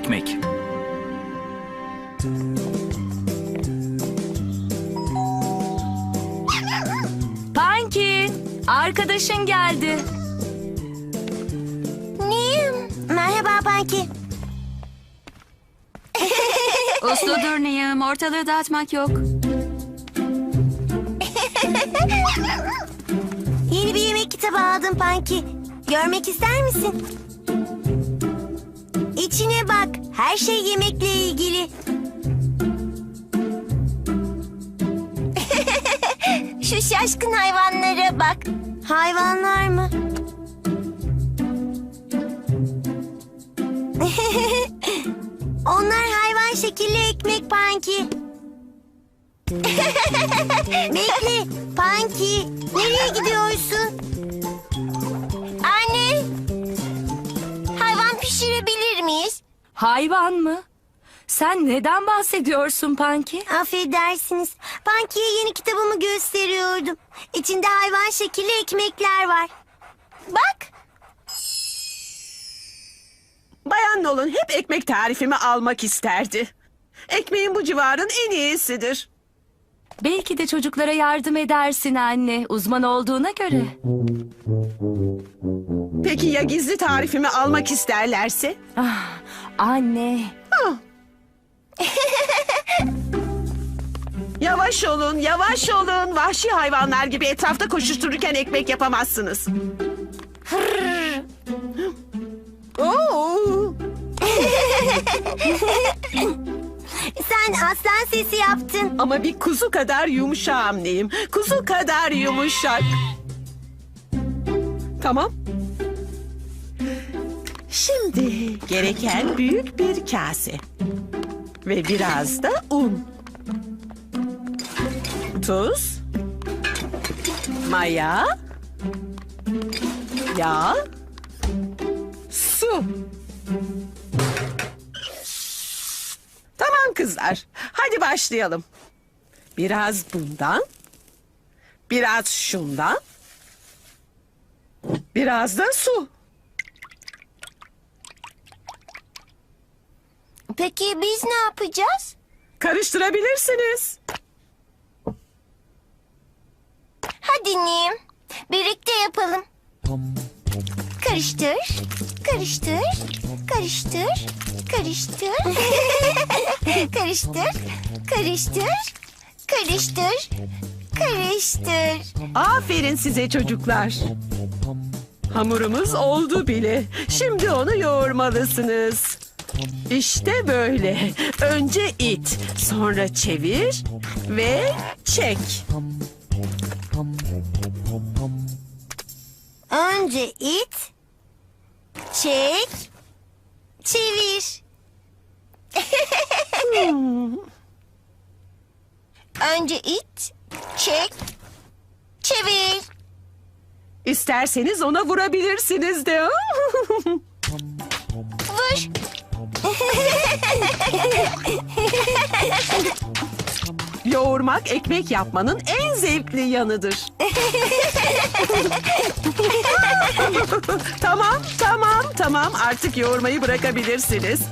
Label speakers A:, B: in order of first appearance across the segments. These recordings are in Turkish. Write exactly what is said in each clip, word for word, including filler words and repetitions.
A: ekmek.
B: Panki, arkadaşın geldi.
C: Neyim? Merhaba Panki.
B: Usludur Niyam, ortalığı dağıtmak yok.
C: Yeni bir yemek kitabı aldım Panki. Görmek ister misin? İçine bak. Her şey yemekle ilgili. Şu şaşkın hayvanlara bak. Hayvanlar mı? Onlar hayvan şekilli ekmek Panki. Bekle Panki. Nereye gidiyorsun? Anne. Hayvan pişirebilir miyiz?
B: Hayvan mı? Sen neden bahsediyorsun Panki?
C: Affedersiniz. Panki'ye yeni kitabımı gösteriyordum. İçinde hayvan şekilli ekmekler var. Bak.
D: Bayan Nolan hep ekmek tarifimi almak isterdi. Ekmeğin bu civarın en iyisidir.
B: Belki de çocuklara yardım edersin anne, uzman olduğuna göre.
D: Peki ya gizli tarifimi almak isterlerse?
B: Ah, anne,
D: Ah. Yavaş olun, yavaş olun. Vahşi hayvanlar gibi etrafta koşuştururken ekmek yapamazsınız. Oo.
C: Sen aslan sesi yaptın.
D: Ama bir kuzu kadar yumuşağım neyim? Kuzu kadar yumuşak. Tamam. Şimdi gereken büyük bir kase. Ve biraz da un. Tuz. Maya. Yağ. Su. Tamam kızlar. Hadi başlayalım. Biraz bundan. Biraz şundan. Biraz da su.
C: Peki biz ne yapacağız?
D: Karıştırabilirsiniz.
C: Hadi Nim. Birlikte yapalım. Karıştır, karıştır, karıştır, karıştır, karıştır, karıştır, karıştır, karıştır.
D: Aferin size çocuklar. Hamurumuz oldu bile. Şimdi onu yoğurmalısınız. İşte böyle. Önce it, sonra çevir ve çek.
C: Önce it, çek, çevir. Önce it, çek, çevir.
D: İsterseniz ona vurabilirsiniz de.
C: Vur.
D: Yoğurmak ekmek yapmanın en zevkli yanıdır. Tamam, tamam, tamam. Artık yoğurmayı bırakabilirsiniz.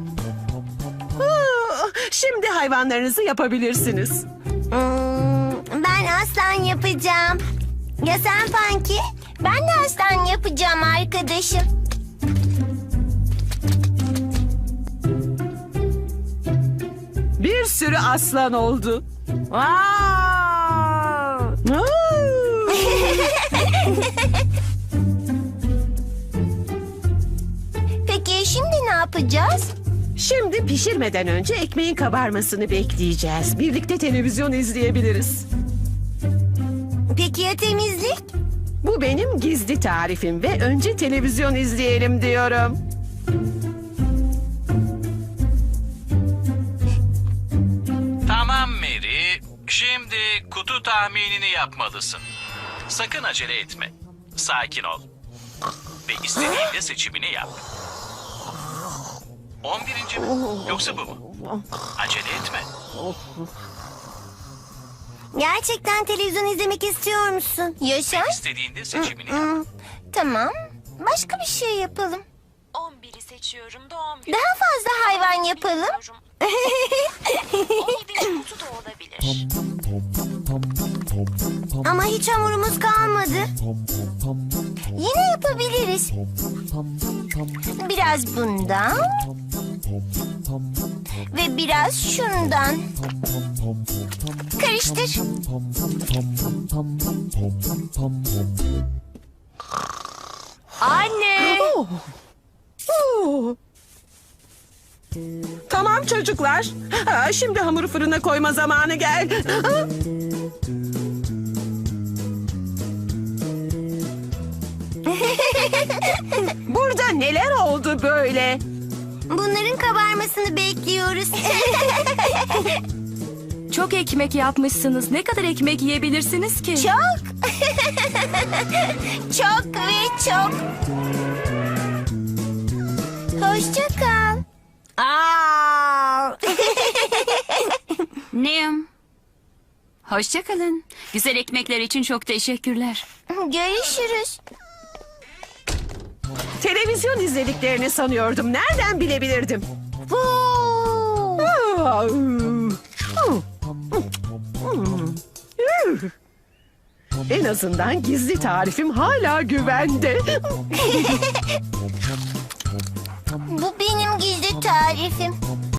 D: Şimdi hayvanlarınızı yapabilirsiniz.
C: Hmm, ben aslan yapacağım. Ya sen Panki? Ben de aslan yapacağım arkadaşım.
D: Bir sürü aslan oldu.
B: Wow!
D: Aa!
C: Peki şimdi ne yapacağız?
D: Şimdi pişirmeden önce ekmeğin kabarmasını bekleyeceğiz. Birlikte televizyon izleyebiliriz.
C: Peki ya temizlik?
D: Bu benim gizli tarifim ve önce televizyon izleyelim diyorum.
A: Tamam Mary, şimdi kutu tahminini yapmalısın. Sakın acele etme. Sakin ol. Ve istediğinde seçimini yap. On birinci mi? Yoksa bu mu? Acele etme.
C: Gerçekten televizyon izlemek istiyor musun? Yaşar?
A: İstediğinde seçimini yap.
C: Hmm, tamam. Başka bir şey yapalım.
E: on biri seçiyorum da on bir.
C: Daha fazla hayvan yapalım. Ama hiç hamurumuz kalmadı. Yine yapabiliriz. Biraz bundan. Ve biraz şundan. Karıştır.
B: Anne!
D: Oo. Tamam çocuklar. Ha, şimdi hamuru fırına koyma zamanı geldi. Ha? Burada neler oldu böyle?
C: Bunların kabarmasını bekliyoruz.
B: Çok ekmek yapmışsınız. Ne kadar ekmek yiyebilirsiniz ki?
C: Çok. Çok ve çok. Hoşça kal. Aa!
E: Neyim? Hoşça kalın. Güzel ekmekler için çok teşekkürler.
C: Görüşürüz.
D: Televizyon izlediklerini sanıyordum. Nereden bilebilirdim?
C: Huu!
D: Aa, En azından gizli tarifim hala güvende.
C: Bu benim gizli tarifim.